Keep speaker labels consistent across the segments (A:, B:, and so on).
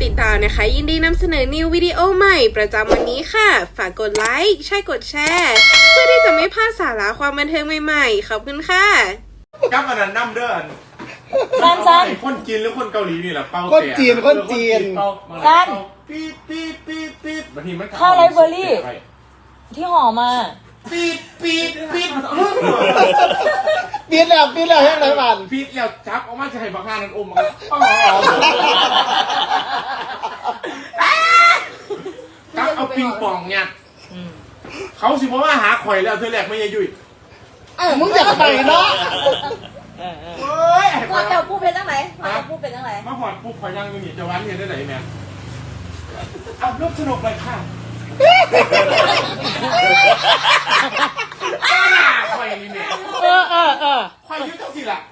A: ติดตามนะคะยินดีนำเสนอนิววิดีโอใหม่ประจำวันนี้ค่ะฝากกดไลค์ใช่กดแชร์เพื่อที่จะไม่พลาดสาระความบันเทิงใหม่ๆขอบคุณค่ะ
B: กับอันนั้นน้ำเด้อ
C: สั้น
B: คนจีนหรือคนเกาหลีนี่แหละเป้าแต่
D: คนจีน
C: สั้น
B: ปี๊ดปี๊ดปี๊ดปี๊ดบางทีมัน
C: ข้าวไรเบอร์รี่ที่ห่อมา
B: ปี๊ดปี๊ดปี๊ด
D: ปีนแล้วแห้งไรบ้าน
B: ปี๊ดแล้วจับออกมาจะให้บางงานนั้นอมจับเอาปิงปองเนี่ยเขาสิบอกว่าหาข่อยแล้วเธอแหลกไม่ยยุ่ย
D: มึงอยากไปเนาะ
B: เฮ้ย
E: พอเจ้าพูดเป็นตั้งไหน
B: มาหอดปุ๊บข่อยยังอยู่นี่จะวันเห็นได้ไหนแม่เอาลูกสนุกเลยค่ะข่อยนี่แม่ข่อยยุ่งเท่าสิล่ะ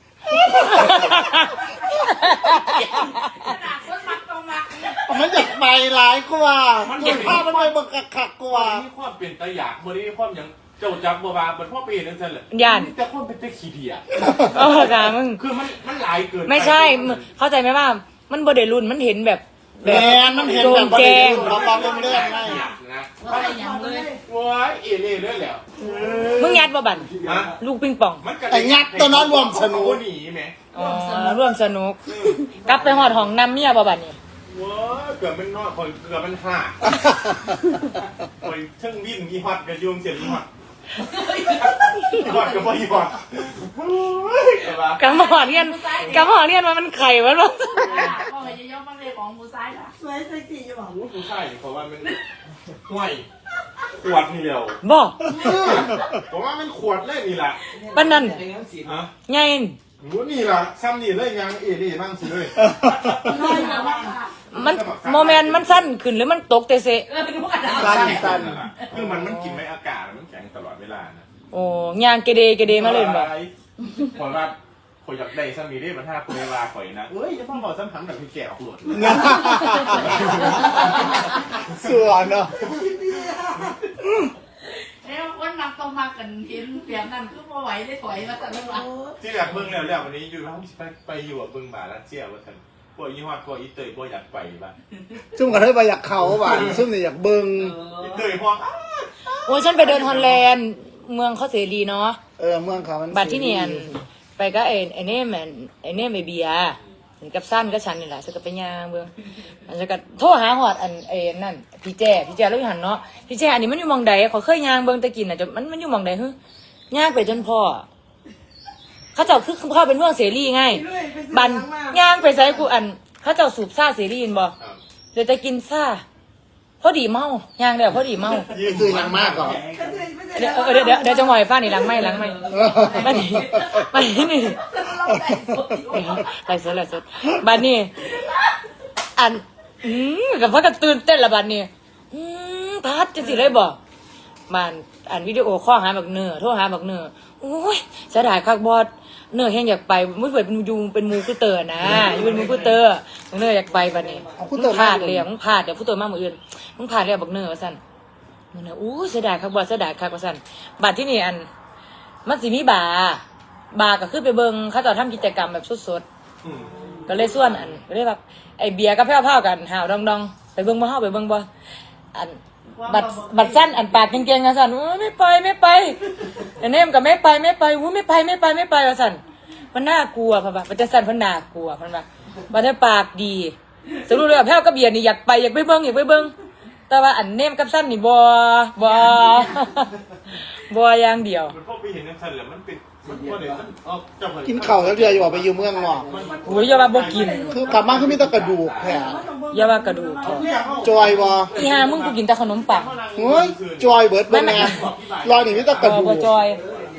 D: มันอยากไปหลายกว่ามันเห็นภาพมันไปบังคักกว่า
B: มีความเป็นตะหยาบมีความอย่างเจ้าจักบัวบาเป็นพ่อปีนั่นสิแหละ
C: ยัน
B: แต่คนเป็นตะขี้เดีย
C: จ้ามึง
B: คือมันหลายเกิน
C: ไม่ใช่เข้าใจไหมว่ามันบดเดรุ่นมันเห็นแบบ
D: แมันเห็นแบบแจ้งเราลองเรื่องไง
B: นะว่าอะไรอย่างเลยว้ายเอเล่เลยแล้ว
C: มึงยัดบ่บันลูกปิงปอง
D: ไอ้ยัดตัวนอนรวมสนุก
B: หนีไหม
C: ร่วมสนุกกลับไปหอดห้องน้ำเมียบ่บันนี่
B: ว้าเกือบเป็นนอกคนเกือบเป็นห่าคนเชิงวิ่งมีฮอตกระยุงเสียมีฮอตฮอตกับบ่ฮอต
C: กำหอเรียนว่ามันไข่วะลูก
E: พ่อไปย่อมาเลยของมูซ้ายค่ะ
B: สวยใส่สีอยู่หรอมูซ้ายเพราะว่ามันห่วยขวดนี่เดียว
C: บ่
B: ผมว่ามันขวดเลยนี่แหละ
C: ปั้นนั่นไง
B: นี่ล่ะซ้ำนี่เลยยังเอเล่บ้างสิเลย
C: มันโมเมนต์มันสั้นขึ้นหรือมันตกเตะเสะ
D: สั้น
B: คือมันกินไม่อากาศมันแข็งตลอดเวลานะ
C: โอ้ยางเกเดมาเลยบ่
B: พอว่าพออยากได้ซ้ำนี่ได้มาท่าคุยลาข่อยนะเอ้ยจะต้องบอกซ้ำถังแบบพี่แก่ออกหลด
D: ส่วนเนาะ
E: แล้วคนนักต้องมากันเห็นเปลี่ยนนั่นคือพอไหวได้ถอยมาแต่ละวัน
B: ที่แบบเบิ่งแล้ววันนี้อยู่ห้องไปอยู่กับเบิ่งบาลัสเซียว่าท่านพวกยี่ห้อพวกอีเตยพวกอยากไปบ้าง
D: ซุ่มกันให้ไปอยากเขาบ้างซุ่มเนี่ยอยากเบิ่ง
B: อีเตยพวก
C: โอ้ฉันไปเดินฮอลแลนด์เมืองเขาเสรีเนาะ
D: เมืองเขามัน
C: บัตรที่เนียนไปก็ไอ้เน่มไอเบียกับสั้นก็ฉันนี่แหละฉันก็ไปย่างเบิ่งฉันก็โทรหาหอดนั่นพี่แจ้แล้วอยู่หันเนาะพี่แจ้อันนี้มันอยู่มองใดขอเคยย่างเบิ่งตะกินน่ะจะมันอยู่มองใดฮึย่างไปจนพ่อเขาเจ้าคือเขาเป็นเมืองเสรีไงบันย่างไปใส่กูเขาเจ้าสูบซ่าเสรีนบ่เดี๋ยวจะกินซ่าพอดีเมาย่างเดี๋ยวพอดีเมา
D: ซื้อยังมากก่อน
C: เดี๋ยวจะหอยฟ้านี่ล้างไม่บ้านนี้ไรสดบ้านนี้กับพ่อก็ตื่นเต้นละบ้านนี้พัดจะสิเลยบอกมันวิดีโอข้อหาบักเนื้อโทรหาบักเนื้อโอ้ยเสียดายคักบอดเนื้อแห้งอยากไปมุ้ยเปิดเป็นมูกูเตอร์นะอยู่เป็นมูกูเตอร์เนื้ออยากไปบ้านนี้พลาดเลยมึงพลาดเดี๋ยวผู้ตัวมากมืออื่นมึงพลาดเลยบักเนื้อว่าสั่นมึงเนี่ยอู้เสียดายคักบอดเสียดายคักว่าสั่นบัดที่นี่มันสิมีบาร์ก็คือไปเบิ่งเขาจะทำกิจกรรมแบบสดๆก็เลยส่วนก็เลยแบบไอเบียร์ก็แพ้วๆกันหาวดองไปเบิ่งบ่เฮาไปเบิ่งบ่บัดสั้นปากเก่งๆนะสั่นไม่ไปไอ้เนมก็ไม่ไปวู้ไม่ไปว่าสั่นมันน่ากลัวพ่ะมันจะสั่นเพราะน่ากลัวพ่ะมันจะปากดีสรุปเลยแพ้วกับเบียร์นี่อยากไปเบิ่งแต่ว่าเนมกับสั้นนี่บ่อย่างเดียว
B: มันพอไปเห็นในสั้นแล้วมันเป็น
D: กินเข่าแล้วเดียวอยู่ไปอยู่เมืองนอก
C: โอ้ยอย่าว่าบ่กิน
D: คือกลับมาคือมีแต่กระดูกแผล
C: อย่าว่ากระดูก
D: จอยบ่
C: อีห่ามึงกูกินแต่ขนมปัง
D: โอ้ยจอยเบิดบ่แม่รอยนี่มีแต่กระดูก
C: บ่จอย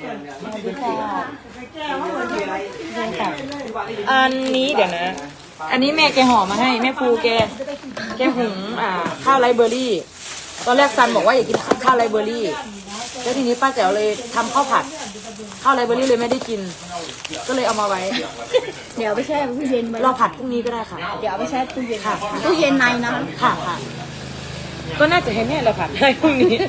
C: อันนี้เดี๋ยวนะอันนี้แม่แกห่อมาให้แม่ภูแกหุงข้าวไรเบอร์รี่ตอนแรกซันบอกว่าอยากกินข้าวไรเบอร์รี่แล้วทีนี้ป้าแจ๋วเลยทำข้าวผัดข้าวไรเบอร์รี่เลยไม่ได้กินก็เลยเอามาไว้
E: เดี๋ยวไปแช่ตู้เย็นไว้
C: เราผัดพรุ่งนี้ก็ได้ค่ะ
E: เดี๋ยวไปแช่ตู้เย็น
C: ค่ะ
E: ตู้เย็นในนะ
C: ค่ะก็น่าจะให้แม่เราผัดให้พรุ่งนี้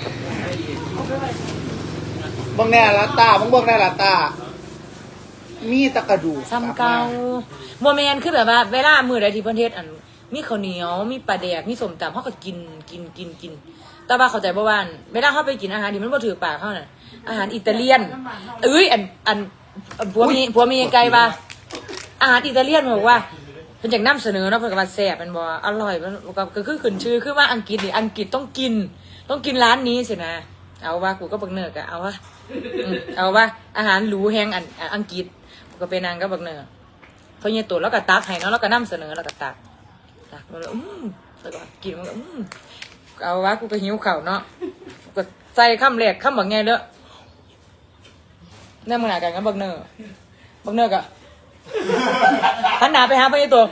D: บังแน่ละตาบังแน่ละตามีตะกระดูก
C: ซ้ำเก่าโมเมนต์คือแบบว่าเวลามือใดที่เพิ่นเฮ็ดมีข้าวเหนียวมีปลาแดกมีส้มตำเขาก็กินแต่ว่าเข้าใจบ่ว่าเวลาเขาไปกินอาหารที่มันบ่ถือปากเขาน่ะอาหารอิตาเลียนอันผัวมีไกลว่าอาหารอิตาเลียนบอกว่าเพิ่นอยากนำเสนอเนาะเพิ่นก็ว่าแซ่บมันบ่อร่อยมันก็คือขึ้นชื่อคือว่าอังกฤษนี่อังกฤษต้องกินร้านนี้สินะเอาว่ากูก็บักเนิร์กเอาว่าอาหารหรูแฮงอังกฤษกูก็ไปนางก็บักเนิร์กเพราะเนี่ยตัวแล้วก็ตักให้เนาะแล้วก็นำเสนอแล้วก็ตักแล้วแล้วก็กินมันก็เอาว่ากูก็หิวข้าวเนาะก็ใส่คำแรกคำบักไงเด้อเนี่ยมึงหนากันกับบักเนิร์กอะหันหน้าไปหาไปในตัว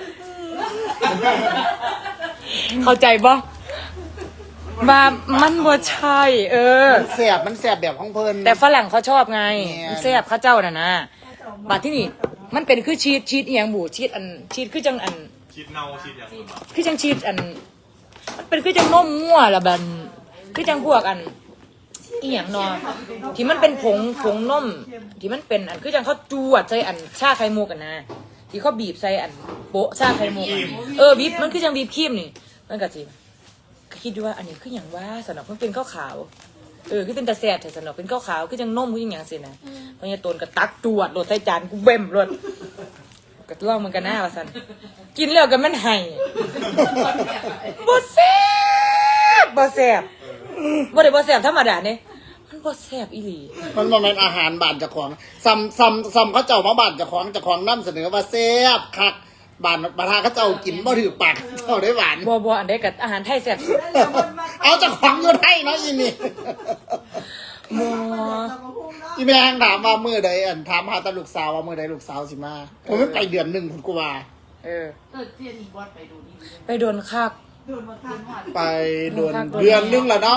C: เข้าใจปะว่ามันบ่ใช่
D: มันแสบแบบของเพิ่น
C: แต่ฝรั่งเขาชอบไง
D: เนี่ย
C: มันแซ่บข้าเจ้าน่ะนะบัดที่นี่มันเป็นคือชีสอีหยังบูชีสคือจัง
B: ชีดเน่าชีดอย่าง
C: คือจังชีสมันเป็นคือจังนมมั่วละบันคือจังพวกอีหยังเนาะที่มันเป็นผงนมที่มันเป็นคือจังเขาจวดใส่ชาไข่มุกกันนะที่เขาบีบใส่โปะชาไข่มุกบีบมันคือจังบีบครีมนี่มันก็สิคิดดูว่าอันนี้คืออย่างว่าสำหรับมันเป็นข้าวขาวคือเป็นตาแซ่บแต่สำหรับเป็นข้าวขาวคือจังนมคืออย่างสินะเพราะเนี่ยตนก็ตักจวดโหลดใส่จานกูเบ่มโหลดก็ลองมันกันหน้าว่าสันกินแล้วกันมันไห้บ่แซ่บบ่ได้บ่แซ่บธรรมดาเนี่ยมันบ่แซ่บอีหลี
D: มันบ่แม่นอาหารบ้านเจ้าของซ้ำเขาเจ้ามาบ้านเจ้าของนำเสนอว่าแซ่บคักบ้านบาทาเขาเจ้ากินบ่ถือปากเจ้าได้หวาน
C: บ่อันใดกับอาหารไทยแซ่บสุด
D: เอาเจ้าของอยู่ไทยเนาะอีนี่
C: บ่
D: อีแม่งถามว่ามื้อใดถามหาตาลูกสาวว่ามื้อใดลูกสาวสิมาผมไม่ไปเดือนหนึงพุ่นกูว่า
E: เที่ยนี่บอสไปดูนี่
C: ไปโดนคัก
D: ไปเดือนนึงแล้วเนาะ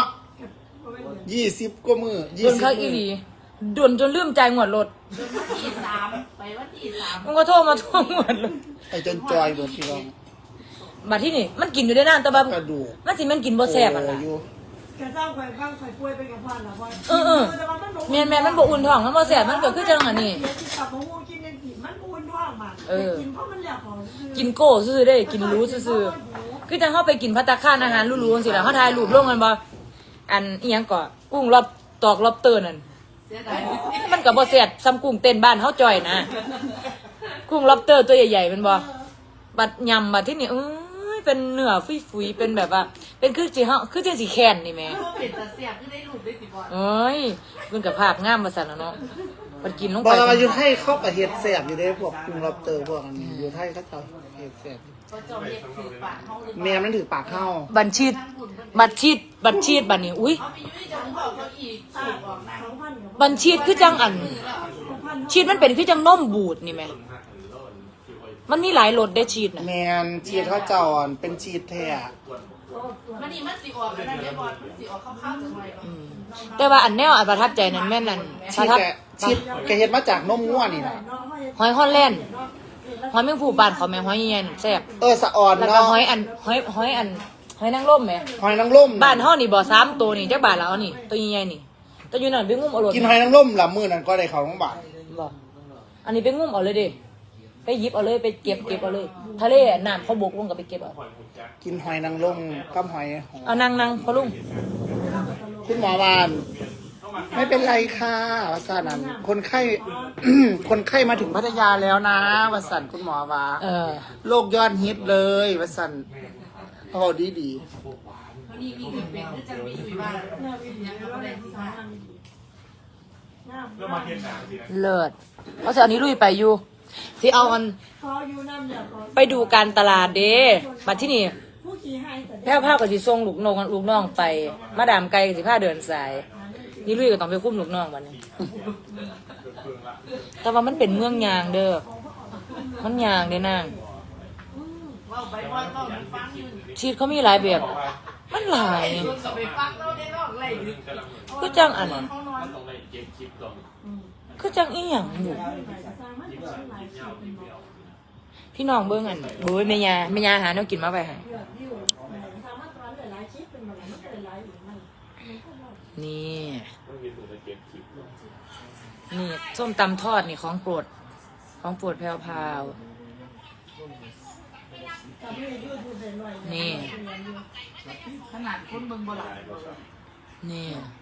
D: 20กว่ามื้อ
C: โดนคักอีหลีโดนจนลืมจ่ายงวดรถ
E: ที่3ไปวันที่3
C: มันก็โทรมาทวงงวดรถ
D: ไอ้จนจอยเบิดพี่น้อง
C: บัดที่นี่มันกินอยู่ได้นานแต่ว่าก
D: ระดูก
C: มันกินบ่แซ่บอ่ะล่ะ
D: อยู่
F: แกเศร้าข่อยบ้างข่อยป่วยไปกับพ่อละพ่อ
C: แม่นมันบ่อุ่นท้องมันบ่แซ่บมันก็คือจังอันนี้
F: กลับมาหูกินยังสิมันอุ่นท้องมากินเพราะมันอยากของ
C: กินโก้ซื่อๆได้กินรู้ซื่อๆคือจังเฮาไปกินภัตตาคารอาหารหรูๆจังซี่ล่ะเฮาถ่ายรูปลงกันบ่อันอีหยังก็กุ้งรอบตอกรอบเตอร์นั่น
E: เสียดาย
C: มันก็บ่แซ่บซ้ำกุ้งเต้นบ้านเฮาจ่อยนะกุ้งล็อบเตอร์ตัวใหญ่ๆมันบ่บัดยำบัดที่นี่เป็นเนื้อฟุยๆเป็นแบบว่าเป็นคือสิเฮาคือจังสิแค้นนี่แหม่
E: เป็นตาเสียบคือได้รูปได้สิบอส
C: เอ้ยเพิ่นก็ภาพงามว่าซั่นล่ะเนาะมันกินลง
D: บอ
C: ไป
D: กว่าอยู่ไทยเขาก็เฮ็ดแซ่บอยู่เด้พวกกุ้งล็อบสเตอร์พวกอันนี้อยู่ไทยเขาเจ้าเฮ็ดแซ่บ
E: ก็จอมเรียกถือปากเขาหรือ
D: แม่มันถือปากเข้า
C: บัญชีบัดนี้อุ้ย
E: เอาไปยุ่ยจังบอกเขาอีกถูกออกนะ
C: บัญชีคือจังอันชีสมันเป็นคือจังนมบูดนี่แหมมันมีหลายรสได้ชีสน่ะ
D: แมนชีสเขาเจ้าอ่อนเป็นชีสแท้
E: มันนี่มันสีออกแล้วนะเดี๋ยวบอสมันสีออกข้าวๆจังไรเนาะ
C: แต่ว่าอันแนวอันประทับใจนั้นแม่นนั่นป
D: ชี
C: ระ
D: ส
C: ทับ
D: ชีสแกเฮ็ดมาจากนมงัวนี่นะ
C: หอยฮอลแลนด์หอยแมงผู้บ้านเขาแม่หอยใหญ่ๆแซ่บ
D: สะอ่อน
C: แล้วก็
D: เนาะ
C: หอยนางรมแหม
D: หอยนางรม
C: บ้านเฮานี่บ่3ตัวนี่จักบาทแล้วนี่ตัวใหญ่ๆนี่ตัวอยู่นั่นไปงุ้มเอารถ
D: กินหอยนางรมละมื้อนั้นก็ได้เข้าโรงพยาบาล
C: บ่อันนี้ไปงุ้มเอาเลยดิไปหยิบเอาเลยไปเก็บเอาเลยทะเลน้ำเขาบกลงก็ไปเก็บเอา
D: กินหอยนางรมกับหอย
C: เอานั่งพอลุง
D: คุณหมอวานไม่เป็นไรค่ะว่าซั่นนั้นคนไข้ คนไข้มาถึงพัทยาแล้วนะว่าซั่นคุณหมอว่า โรคยอดฮิตเลยว่าซั่นโอ้ดี
E: วันนี้มีเงินเป็นหรือจะมีอยู่บ้านยังไม่ได้ที่บ้าน
B: เรื่องมาเทียนหนังสินะ
C: เลิศเพราะฉะนี้ลุยไปอยู่สิเอาอัน
F: ขออยู่น้ำอยากขอ
C: ไปดูการตลาดเด้บัดที่นี่
F: ผู้ขี่ให้แต่
C: แพ้วๆก็สิส่งลูกน้องไปมาดามไก่ก็สิพาเดินสายนี่ลุยก็ต้องไปคุ้มลูกน้องบัดนี้ แต่ว่ามันเป็นเมืองยางเด้อมันยางเด้อนาง
E: ว่าไปบอสก็มันฟังอยู่
C: ชีสเขามีหลายแบบ มันหลาย
E: ส่วนกับไปฟังเราได้รอกไรดึก
C: ก็จังอัน
E: เขานอน
B: ต้องไปเก็บคลิปก่อน
C: ก็จังอีหยังอยู่พี่น้องเบิ่งอันโอ้ยแม่ยาหาแนวกินมาไปให้นี่นี่ส้มตำทอดนี่ของโปรดแพรวพาว
F: กับไม่ได้ยืดเลยหน่อย
C: นี่
E: ขนาดคนเบิ่งบ่หลาย
C: นี่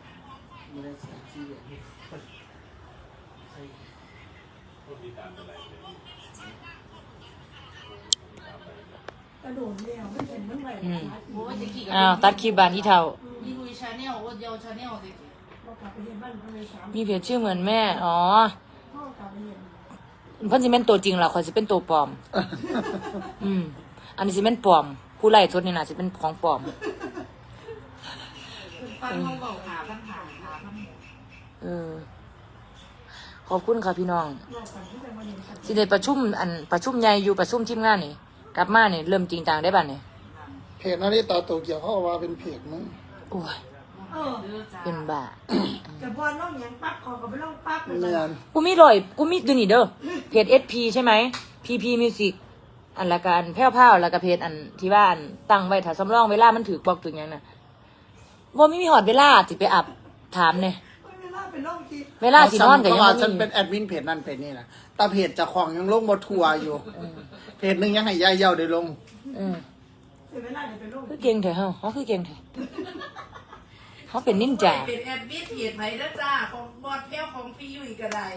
F: กระโดดเลี้ยวไม่เห็นมันไหว
E: โอ้ยจะกี่กับ
C: อ้าวตัดคลิปบานที่เท่า
E: มีลุยชาแนลโอ้ยเดียวชาแนลสิ
F: เรากลับไปเห็นบ้านเขาเลย3
C: มีเพจชื่อเหมือนแม่อ๋อ
F: พ่อกลับไปเห็น
C: เพิ่นสิเป็นตัวจริงล่ะข่อยสิเป็นตัวปลอม อันนี้สิเป็นปลอม ผู้ไล่สดนี่น่ะสิเป็นของปลอม
E: ฟังเขาบอกหาปัญหา
C: ขอบคุณค่ะพี่น้อง
F: รอบกันที่จะมาเห็นกัน
C: สิได้ประชุมใหญ่อยู่ประชุมทีมงานนี่กลับมานี่เริ่มจริงจังได้บัดนี่
D: เพจนาฬิตาโตเกียวเขาเอาว่าเป็นเพจมึง
C: โอ้ย
E: เด้อจ้า
C: เป็นบ้า
F: แต่พอน้องยังปั๊บขอกับไม่ต้องปั๊บเลย
D: เมียน
C: กูมีดูนี่เด้อเพจ SP ใช่ไหม PP Music อันละกันแพ้วๆแล้วก็เพจอันที่ว่าอันตั้งไว้ถ้าสำรองเวลามันถือบอกถึงหยังน่ะบ่มีหอดเวลาสิไปอับถามเนี่ย
F: เวลาเป็นน้องคิด
C: เวลาสินอนก็ยัง
D: ว่า
C: บ่
D: ฉัน
C: มี
D: เป็นแอดมินเพจนั่นเพจนี่นะแต่เพจเจะของยังลงบทัวร์อยู่ เพจหนึงยังให้ยายเย่าได้ลง
F: เวลาเนี่ยเป็นน้อง
C: คือเก่งแท้เฮาเขาคือเก่งแท้เขาเป็นนินจา
E: เป็นแอดมิดเพจไหมเด้อจ้าของบอดแก้วของพี่ยุ้ยก็ได้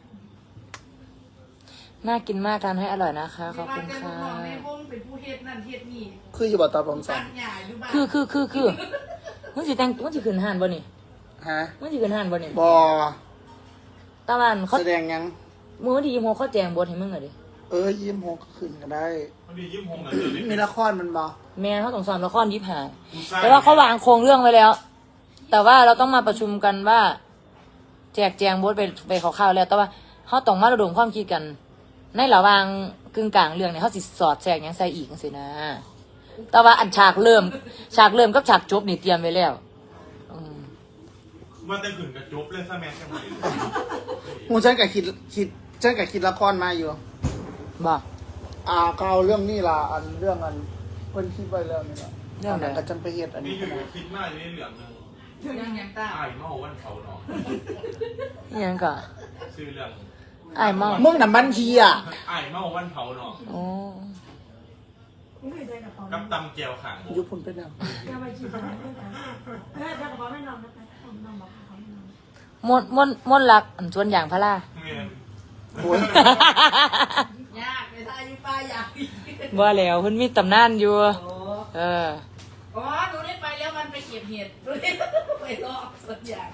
C: น่ากินมากทานให้อร่อยนะคะขอบ
E: บ้า
C: คุ
E: น
C: ณ
E: แกลู
C: ค่ะ
E: กน้องในวงเป็นผู้เฮ็ดนั่นเฮ็ดนี่
D: คืออยู่บ่ตาผมสั่
E: ตั
D: น
E: ดหญ้าอยู่บ้าน
C: คือมึงสิขึ้นห้านบ่นี่
D: ฮะ
C: มึงสิขึ้นห้านบ่นี่
D: บอ
C: ตะวันเขา
D: แสดงยัง
C: มื้อวันที่26เขาแจงบทให้มึงอ่ะดิ
D: ยิ้มหกขึ้นก็ได้
B: พอดียิ้มหงกันเลย
D: มีละครมันบอ
C: แม่เขาต้องสอนละคร25แต่ว่าเขาวางโครงเรื่องไว้แล้ว แต่ว่าเราต้องมาประชุมกันว่า แจกแจงบทไปคร่าวๆแล้ว แต่ว่าเขาต้องมาระดมความคิดกัน ในระหว่างกึ่งกลางเรื่องเนี่ยเขาสิสอดแทรกหยังใส่อีกจังซี่นะ แต่ว่าอันฉากเริ่มกับฉากจบนี่เตรียมไว้แล้วอืม
B: ว่าแต่ขืนกระจบเลยซะแม่จังหวะ
D: กูฉันกับคิดละครมาอยู่
C: บอก
D: ก็เอาเรื่องนี้ล่ะเรื่องเพิ่นคิดไว้แล้วนี่ล่ะ
C: เรื่องไหน
D: ก็จังไปเฮ็ดอัน
B: นี่
D: นี้
B: อยู่คิดมากเลยเหลืองนึง
E: เรื่องยังตา
B: อ้ายเมาวันเขาเนาะ
C: อิหยังก็
B: ชื่อเรื่อง
C: อ้ายเมา
D: มึงน่ะมันทีอ่ะ
B: อ้ายเมาวันเขาเนาะ
C: โอ้
F: ไม่เคยใจกับเขา
B: กับตำแจวขัง
D: ยุบพุ่นไปนำ
F: จะไปคิดอะไรไม่ได้ถ้ากับเขาไม่นอนนะคะน้องบอกเขาไม่นอน
C: มนต์รักอันสวนอย่างพระลา
B: เมียน
D: โอ้ย
E: ยากในทายอยู่ป้าอยากอีก
C: ว่าแล้วเพิ่นมีตำนานอยู่
E: โอ้
C: เออ
E: อ๋อหนูได้ไปแล้วมันไปเก็บเห็ดหนูได้ไปรอบสักอย่าง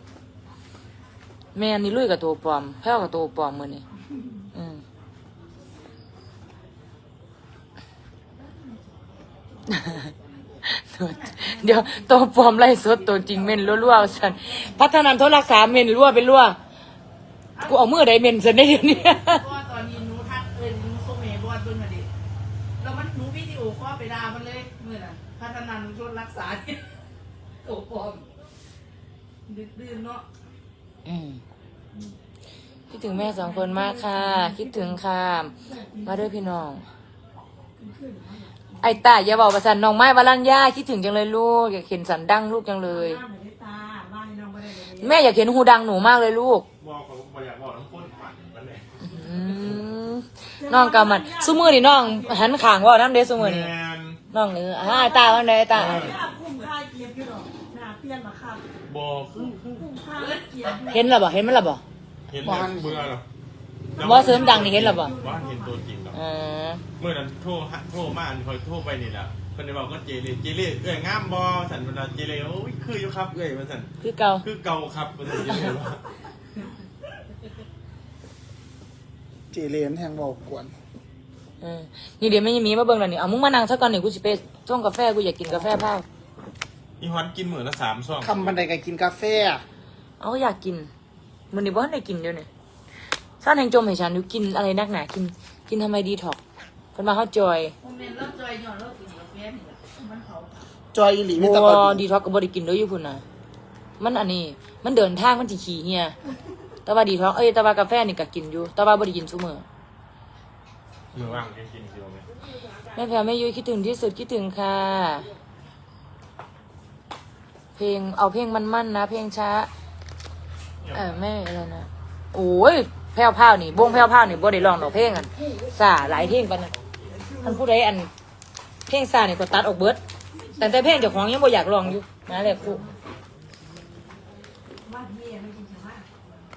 C: แม่นี่ลุยกับตัวปลอมแพ้วกับตัวปลอมมื้อนี้อืม เดี๋ยวตัวปลอมไล่สดตัวจริงเม่นรั่วๆสันพัฒนาโทรรักษาเม่นรั่วเป็นรั่วกูเอามือใดเม่นสันได้เดี๋ยวนี้
E: เพราะว่าตอนนี้หนูทักหนูโซเมบอดเบิ่งมาดิแล้วมันหนูวิดีโอคอลไปด่ามันเลยเมื่อน่ะพัฒนาชนรักษาเนี่ยโอ้ปลอมดื้อเนาะ
C: คิดถึงแม่สองคนมากค่ะ คิดถึงค่ะ มาด้วยพี่น้อง ไอ้ตาอย่าบอกว่าสันน้องไม้วารัญญาคิดถึงจังเลยลูกอยากเห็นสันดังลูกจังเลย
F: บ้านไม่ได้ตาบ้านน้องไม่ได้เลย
C: แม่อยากเห็นหูดังหนูมากเลยลูก
B: บอกเขาบอกอยากบอกน้ำข้นปั่นมันเลย
C: อืมน้องกำมันซุมือนี่น้องหันขางว่าน้ำเดซุมือนี่
B: แมน
C: น้องไอ้ตาวันใดไอ้ตา
F: หน้าคุ้มค่าเกียบอยู่หรอกหน้าเปลี่ยนมาครับ
B: บอกคือ
F: คุ้มค่าเกียบ
C: เห็นหรอบ่เห็นมันหรอบ่
B: เห็นแล้วเบื่อหรอ
C: บ่เสริมดังนี่เห็นหรอบ่
B: ว่าเห็นตัวจริงหรอ
C: อ๋อ
B: เมื่อนั้นโทรมาอันคอยโทรไปนี่แหละคนได้บอกว่าเจเล่เอ้ยงามบอสันเวลาเจเล่โอ้ยคืออยู่ครับเอ้ยมาสัน
C: คือเก่า
B: คือเก่าครับมาสันเจเล่ว่า
D: เจเลนแห่งเว้ากวน
C: นี่เดี๋ยวไม่มีมาเบิ่งแล้วนี่เอามึงมานั่งซะก่อนนี่กูสิไปส่งกาแฟกูอยากกินกาแฟเผา
B: อีฮอนกินมื้อละ3 ซอง
D: คำบันไดก็กินกาแฟ
C: เอาอยากกินมื้อนี้บ่ทันได้กินเดี๋ยวนี้ซ่านแห่งจมให้ฉันอยู่กินอะไรนักหนากินทำไมดีท็อกเพิ่นมาเฮาจอย
E: โมเมนต์เริ่มจอยหย่อนเริ่มกินกาแฟนี่แหละมันเขา
D: จอยอีหลีมี
C: บ่
D: แตะกอน
C: ดีท็อกก็บ่ได้กินเด้ออยู่พุ่นน่ะมันอันนี้มันเดินทางมันสิขี้เหียแต่ว่าดีท็อกแต่ว่ากาแฟนี่ก็กินอยู่แต่ว่าบ่ได้กินซุมื้อ
B: มื้อว่างกินสิบ่แม่
C: แม่แพรแม่ยุ้ยคิดถึงที่สุดคิดถึงค่ะ เพลงเอาเพลงมันๆนะเพลงช้าแม่อะไรนะโอ้ยแพ้วๆนี่วงแพ้วๆนี่บ่ได้ร้องดอกเพลงอันซ่าหลายเพลงปานนั้นท่านผู้ใดอันเพลงซาเนี่ยก็ตัดออกเบิดแต่เพลงเจ้าของยังบ่อยากลองอยู่นะแหละครู
F: ว่าพี่ไม่กินชาวบ้าน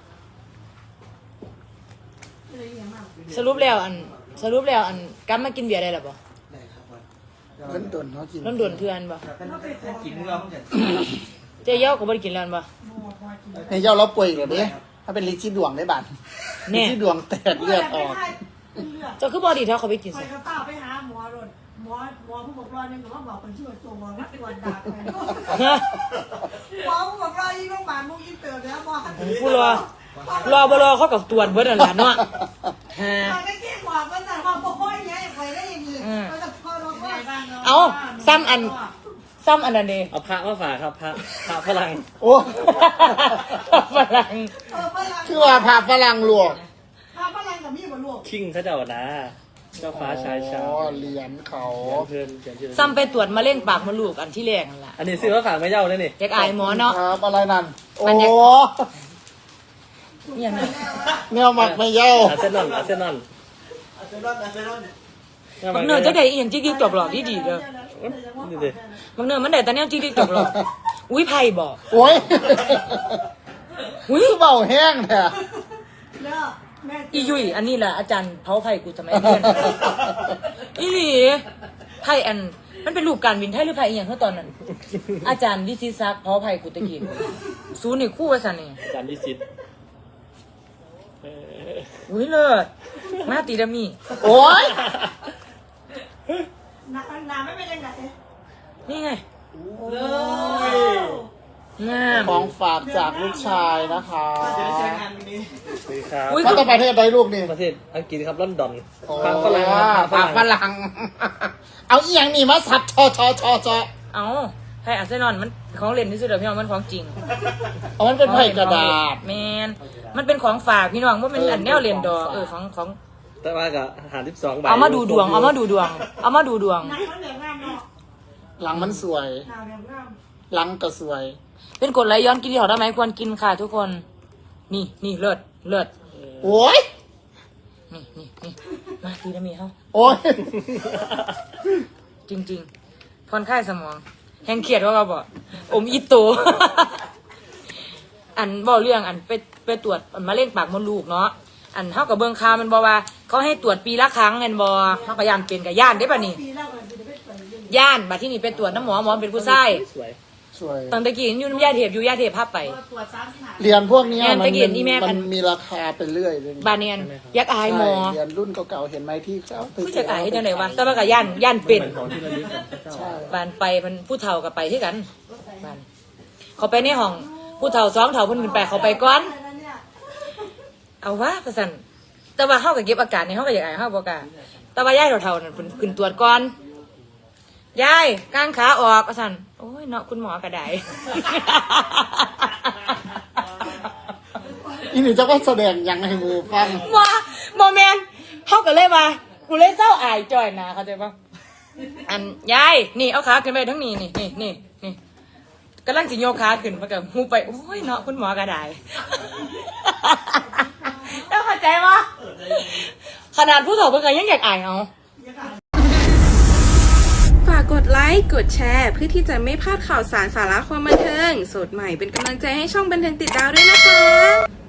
F: เลยยังมาก
C: สรุปแล้วอันกลับมากินเบียร์ได้หรอบ่
D: เล่นดนเขากิน
C: น้ำด่วนเทือนบ่
F: เขาไปขอ
G: กินเราเนี่ย
C: เจ๊เย้าก็บ่ได้กินแล้วบ่
D: ในเจ้าเราป่วยเหรอเนี่ยถ้าเป็นลิซี่ดวงได้บัตร
C: แน่
D: ลิซี่ดวงแตกเลือดออก
C: เจ้าคือบ่ดีเท่าเขาไปกิน
F: คอ
C: ซะ
F: ยกระเป๋าไปหาหมอรถหมอผู้ปกครองเนี่ยหนูว่าบอกคนชื่อตัวหมอนักตรวจด่าไปหมอผู้ปกครองยิ่งโรงพยาบาลมุ่งยิ่งเติมแล้วหมอ
C: ผู้รอบ่รอเขากับตรวจเบิดนั่นล่ะเนาะฮะ
F: ตอนไม่เก่งหมอก็แต่ความโป้ยเนี่ยไปได้ยังไงก็จะพอเราว่า
C: เอาซ้ำอันนั้นเด้
G: เอาพระมาฝากครับพระฝรั่ง
D: โอ้
C: ฝรั่ง
D: คือว่าพาฝรั่งลวก
F: พาฝรั่งกับมีดมาลวก
G: คิงเขาเจ้านะเจ้าฟ้าชายชา
D: อ๋
G: ว
D: อเหรียญเขา
G: เพื่อนเขียนชื่อ
C: ซ้ำไปตรวจมะเร็งปากมดลูกอันที่แรกนั่นล่ะ
G: อันนี้ซื้อมาฝากไม่เย้าเลยนี่
C: อยากอายหมอเนาะ
D: ครับอะไรนั่นโอ้
C: เนี่ยนะ
D: แนวหมักไม่เย้า
G: อาเซนอน
C: บางเนื้อจะได้อีหยังจิ๊กๆจบหลอกดีๆเด้อ
G: นี่ดิ
C: บางเนื้อมันได้แต่แนวจิ๊กๆจบหลอกอุ้ยไผบ่
D: โอ้ย
C: อุ้ย
D: คือเบาแห้งแท้
F: แล้วแม่
C: อียุยอันนี้แหละอาจารย์เผาไผ่กูทำไมเพื่อนอีหลีไผ่อันมันเป็นรูปการบินไทยหรือไผ่อีหยังเท่าตอนนั้น อาจารย์วิศิศักดิ์เผาไผ่กูตะกี้ศูนย์นี่คู่ว่าซั่นนี่
G: จานดิสิต
C: อุ้ยเลิศมาตีดามี
D: โอ้ย
F: น้ำไม่เป็นยังไง
C: นี่ไง
F: เลย
C: งาม
D: ของฝากจากลูกชายนะคะ
G: สวัสดีครับ
C: อุ้ย
D: มาจากประเทศใดลูกนี่
G: ประเทศอังกฤษครับลอนดอน
D: โอ้
G: ฝากฝรั่งครับ
D: ฝากฝรั่ง เอาอีหยังนี่มาสับชอ
C: เอาไผ่อาร์เซนอลมันของเล่นที่สุดแล้วพี่น้องมันของจริง
D: เอามันเป็นไผ่กระดาษ
C: แมนมันเป็นของฝากพี่น้องว่ามันอันแนวเล่นดอกของ
G: แต่ว่ากับอาหาร12ใบ
C: เอามาดูดวง เอามาดูดวง เอามาดูดวง
F: น้ำมันเหลืองามเนาะ
D: หลังมันสวย
F: น้ำเหลืองาม
D: หลังก็สวย
C: เป็นกฎไหลย้อนกินที่หอได้ไหมควรกินค่ะทุกคน นี่เลิศ
D: โอ้ย
C: นี่มาตีนะมีเขา
D: โอ้ย
C: จริงๆผ่อนคลายสมองแห้งเครียดว่าเราบอกอมอีโต อันบอกเรื่องอันไปตรวจมะเร็งปากมดลูกเนาะอันเท่ากับเบื้องข่าวมันบอกว่าเขาให้ตรวจปีละครั้งเงินบอเขาก็ย่านเป็นกับย่านได้ป่ะนี่
F: ปีแล้วมันจะไม่เปิดเลย
C: ย่านบัดที่นี่ไปตรวจน้ำหมอเป็นผู้ชาย
G: สวย
D: สวย
C: ตอนตะกี้อยู่น้ำยาเทปอยู่ยาเทปภาพไป
F: ตรวจซ้ำที่หา
D: เหรียญพวกเนี้ย
C: แม่น
D: มัน
C: ตะเกียบนี่แม่
D: มันมีราคาไปเรื่อยเลย
C: บานเนียนยักอายหมอ
D: เหรียญรุ่นเก่าๆเห็นไหมที่เขาไป
C: ผู้จัดอายให้จังไหนวะแต่ว่ากับย่านเป็น
G: ของที่ระลึกของเจ้า
D: ใช่
C: บานไปมันผู้เฒ่ากับไปที่กันบานเขาไปในห้องผู้เฒ่าสองเฒ่าเพิ่นขึ้นไปเขาไปก่อน เอาวะประสันแต่ว่าเฮาก็เก็บอาการในเฮาก็อยากอายเฮาบ่กล้าแต่ว่ายายเฒ่าๆนั่นเพิ่นขึ้นตรวจก่อนยายกางขาออกประสันโอ้ยเนาะคุณหมอก็ได้
D: อีนี่จะว่าแสดงยังให้มือฟัง
C: ว่าบ่แม่นเฮาก็เลยว่ากูเลยเศร้าอายจ่อยนะเข้าใจป่ะอันยายนี่เอาขาขึ้นไปทั้งนี้นี่กำลังสิโยกขาขึ้นมากับหูไปโอ้ยเนาะคุณหมอก็ได้ แล้วเข้าใจปะขนาดผู้สาวเพิ่งยังอยากอายเอา
A: ฝากกดไลค์ กดแชร์ เพื่อที่จะไม่พลาดข่าวสารสาระความบันเทิง สดใหม่เป็นกำลังใจให้ช่องบันเทิงติดดาวด้วยนะคะ